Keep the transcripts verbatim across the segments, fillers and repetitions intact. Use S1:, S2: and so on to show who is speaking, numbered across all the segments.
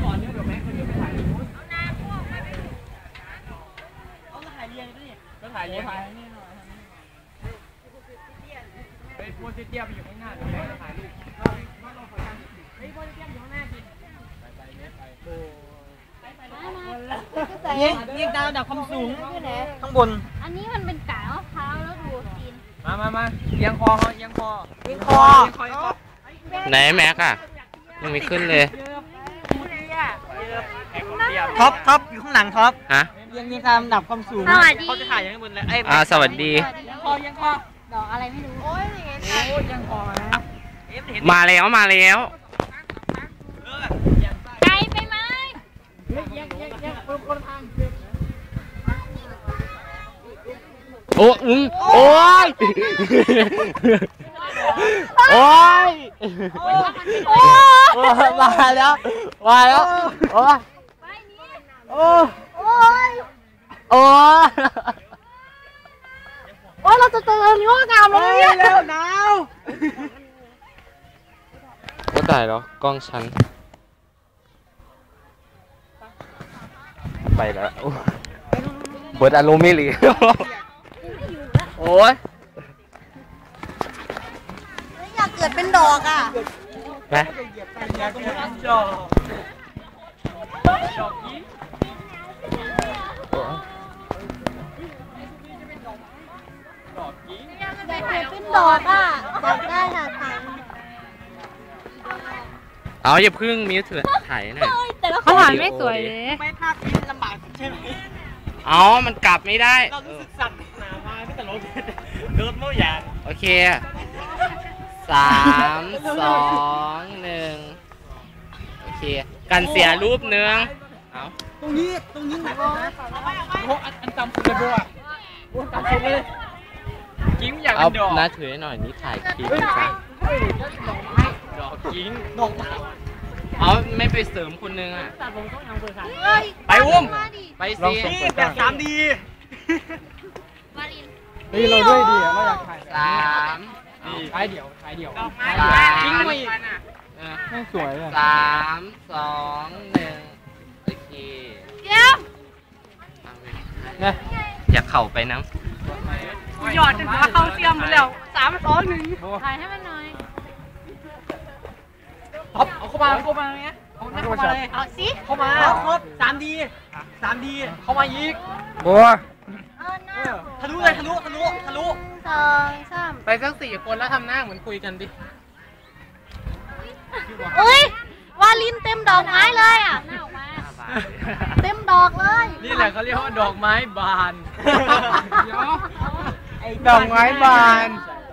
S1: อนเนี่ยเดี๋ยวแม็กซ์คนนี้ไปถ่ายรูปเอาถ่ายเรียงดิก็ถ่ายเรียงถ่ายนี่หน่อยเฮ้ยพวกเตี้ยไปอยู่ข้างหน้าเดี๋ยวแม็กซ์จะถ่ายรูปเฮ้ยพวกเตี้ยอยู่ข้างหน้าดิไปไปไปโอ้ยิงยิงดาวดับความสูงข้างบน
S2: อันนี้มันเป็นกากมะพร้าวแล้วดูกิน
S1: มามามาเอียงคอเขาเอียงคอเอียงคอ
S3: ไหนแม็กอะยังไม่ขึ้นเลย
S1: ท็อปท็อปอยู่ข้างหลังท็อป
S3: ฮะ
S1: เอียงยิงตามดับความสูงเขาจะถ่ายอย่างนี้บนเลย
S3: อ่าสวัสดี
S1: คอยังคอ
S2: ดอกอะไรไม่รู้โอ้ย
S1: ยังคอ
S3: มาแล้วมาแล้ว
S2: ไกลไปไหม
S3: โอ้อึ้งโอ้ยโอ้ยมาแล้วมาแล้วโอ้ยโอ้ยโอ้ยโอ้ย
S2: โอ้ยเราจะเจอเนื้องามเลยเนี่ย
S1: เร็วหนาว
S3: ก็ได้เหรอกล้องฉันไปแล้วเบิดอารมณ์ไม่หลีโอ้ย
S2: อยากเกิดเป็นดอกอ่ะ
S3: นะ
S1: อยากเป็นดอกดอกยิ้มดอกยิ้ม
S2: อยากเกิดเป็นดอกอ่ะอยากได้ค่ะถ่าย
S3: เอาอย่าพึ่งมิวถือถ่ายหน่อย
S2: เขาถ่ายไม่สวยเลย
S1: ไม่ภาพนี้ลำบากใช่ไหม
S3: เอามันกลับไม่ได้
S1: เรารู้สึกสั่นหนามาไม่แต่รถรถโม่ยาง
S3: โอเคสามสองหนึ่งโอเคกันเสียรูปเนื้อเอา
S1: ตรงนี้ตรงนี้หนักนะโอ้อันจำเลยบัวบัวจำเลยกิ้งอยากเป็นดอก
S3: น้าถือหน่อยนี่ถ่ายคลิปจ้ะดอกกิ้ง
S1: ดอกไม้
S3: เอาไม่ไปเสริมคนนึงอ่ะ
S1: ไปอุ้ม
S3: ไปสิ
S1: แบบสามดี
S2: นี่
S1: เราด้วยดีเราอยากถ่าย
S3: สาม
S1: ถ่ายเดี่ยวถ่ายเดี่ยว
S3: กิ้งไป
S1: ไม่สวย
S3: สามสองหนึ่งโอเค
S2: เดี๋ยว
S3: เนี่ยอยากเข่าไปนะ
S2: หยอดจนเขาเสียมไปแล้วสามสองหนึ่งถ่ายให้มันหน่อย
S1: ท็อปเอาเข้ามาเข้ามาเนี้ยเอาเข้ามาเลย
S2: เอาสิ
S1: เข้ามาครบสามดีสามดีเข้ามาอีก
S3: บัว
S1: ทะลุเลยทะลุทะลุทะลุ
S2: สองสาม
S3: ไปสักสี่คนแล้วทำหน้าเหมือนคุยกันดิ
S2: อุ้ยวาลินเต็มดอกไม้เลยอ่ะเต็มดอกเลย
S1: นี่แหละเขาเรียกว่าดอกไม้บานดอกไม้บาน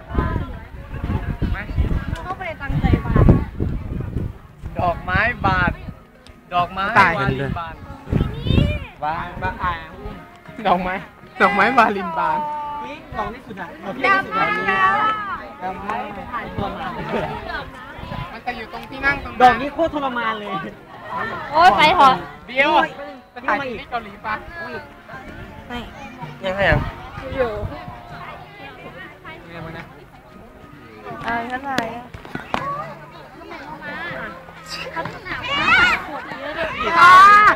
S2: เขาไปตั้งใจบาน
S1: ดอกไม้บานดอกไม้
S3: ตายกันเลย
S1: บานบานบานอ่าดอกไม้ดอกไม้บาลินบานนี่ดอกนี่สุดอ่ะดอกที่สุดอันนี้ดอกไม้ถ่ายตัวมามันจะอยู่ตรงที่นั่งตรงดอกนี้โคตรทรมานเลย
S2: โอ้ยไปเถอะ
S1: เดี๋ยวไปถ่ายที่เกาหลีปะ
S2: ไม่
S3: ยังไงอ่ะ
S2: อยู่
S1: ยังไงมึงนะ
S2: อ่าฉันไหนอ่ะเขาหนาวมากปวดเยอะเลยอ่า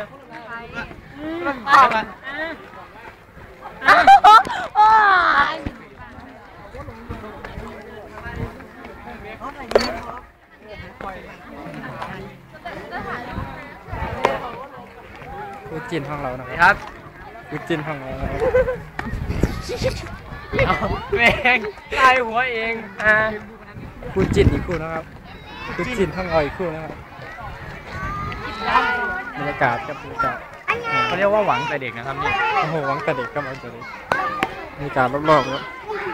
S2: อ่า
S1: กูจินห้องเราหน่อยครับกูจินห้องเราแม่งตายหัวเองอ่ากูจินอีกคู่นะครับกูจินห้องเราอีกคู่นะครับบรรยากาศกับบรรยากาศเขาเรียกว่าหวังแต่เด็กนะครับนี่โอ้โหหวังแต่เด็กก็มาตัวนี้บรรยากาศรอบๆแล้ว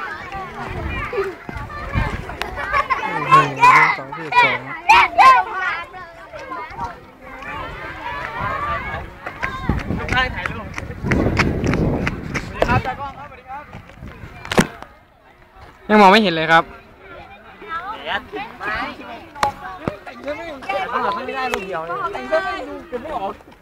S1: หนึ่งสองที่สองได้ถ่ายรูปสวัสดีครับตากล้องครับสวัสดีครับยังมองไม่เห็นเลยครับแดดไม่ไม่ได้รูปเดียวเลยไม่ได้ดูเก็บไม่ออก